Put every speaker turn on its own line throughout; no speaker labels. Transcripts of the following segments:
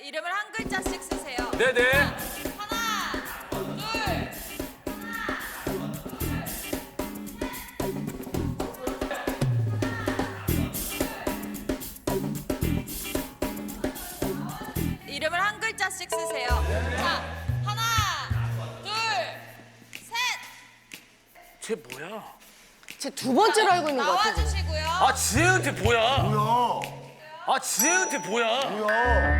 이름을 한 글자씩 쓰세요.
네네.
하나, 둘. 이름을 한 글자씩 쓰세요. 자, 하나, 둘, 셋.
쟤 뭐야?
제 두 번째로 알고 있는 것 같아요.
나와주시고요.
아 지혜한테 뭐야?
뭐야?
아 지혜한테 뭐야?
뭐야?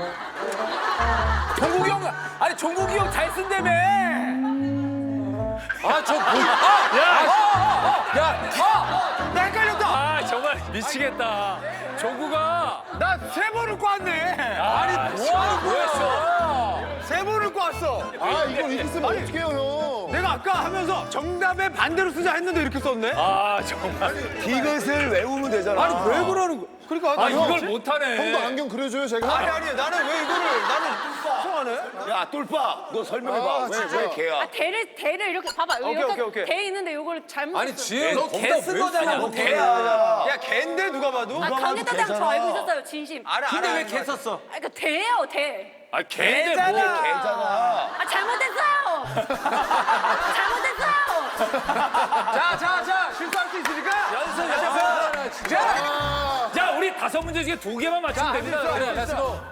종국이 형, 아니 종국이 형 잘 쓴다며. 아저 뭐야? 나 헷갈렸다. 아 정말 미치겠다. 종국아,
나 세 번을 꽈네.
아니 뭐했어?
세 번을 꽈어.
아 이걸 이렇게 쓰면 어떡해요 형?
내가 아까 하면서 정답에 반대로 쓰자 했는데 이렇게 썼네.
아 정말.
이것을 외우면 되잖아.
아니 왜 그러는 거야? 그러니까
아
형,
이걸 못하네.
형도 안경 그려줘요 제가?
아니 나는 왜 이거를 나는 이상하네.
야 똘빠 너 설명해봐. 왜 걔야?
대를 이렇게 봐봐. 여기가
오케이.
대 있는데 요거를 잘못
아니
썼어.
지혜 너개쓴 거잖아. 너 개.
야 걔인데 누가 봐도.
아, 강대단장 저 알고 있었어요, 진심.
알아.
근데 왜 개 썼어?
아, 그러니까 대예요, 대.
아 개인데 뭐?
걔잖아.
아, 잘못했어요. 잘못했어요.
자 실수할 수 있으니까.
연습. 자 우리 5문제 중에 2개만 맞추면 됩니다. 그래, 렛츠고.